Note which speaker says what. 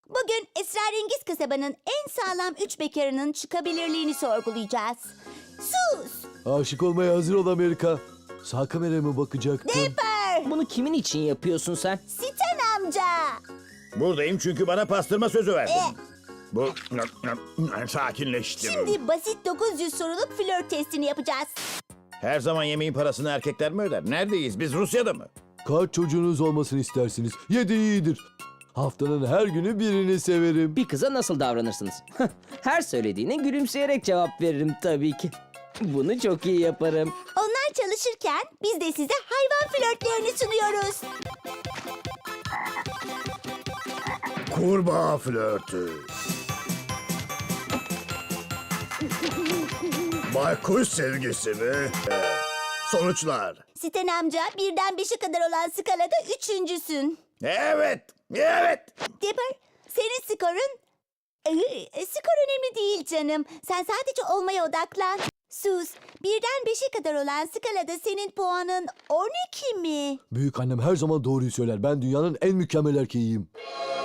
Speaker 1: Bugün esrarengiz kasabanın en sağlam 3 bekarının çıkabilirliğini sorgulayacağız. Sus!
Speaker 2: Aşık olmaya hazır ol Amerika. Sağ kameraya mı bakacaktın?
Speaker 1: Dipper!
Speaker 3: Bunu kimin için yapıyorsun sen?
Speaker 1: Siten amca!
Speaker 4: Buradayım çünkü bana pastırma sözü verdin. Bu sakinleştim.
Speaker 1: Şimdi basit 900 soruluk flört testini yapacağız.
Speaker 4: Her zaman yemeğin parasını erkekler mi öder? Neredeyiz? Biz Rusya'da mı?
Speaker 2: Kaç çocuğunuz olmasını istersiniz? 7 iyidir. Haftanın her günü birini severim.
Speaker 3: Bir kıza nasıl davranırsınız? Her söylediğine gülümseyerek cevap veririm tabii ki. Bunu çok iyi yaparım.
Speaker 1: Onlar çalışırken biz de size hayvan flörtlerini sunuyoruz.
Speaker 4: Kurbağa flörtü. Baykuş sevgisi mi? Sonuçlar.
Speaker 1: Siten amca birden 5'e kadar olan skalada üçüncüsün.
Speaker 4: Evet, evet.
Speaker 1: Dipper, senin skorun... skor önemli değil canım. Sen sadece olmaya odaklan. Sus, birden 5'e kadar olan skalada senin puanın 12 mi?
Speaker 2: Büyük annem her zaman doğruyu söyler. Ben dünyanın en mükemmel erkeğiyim.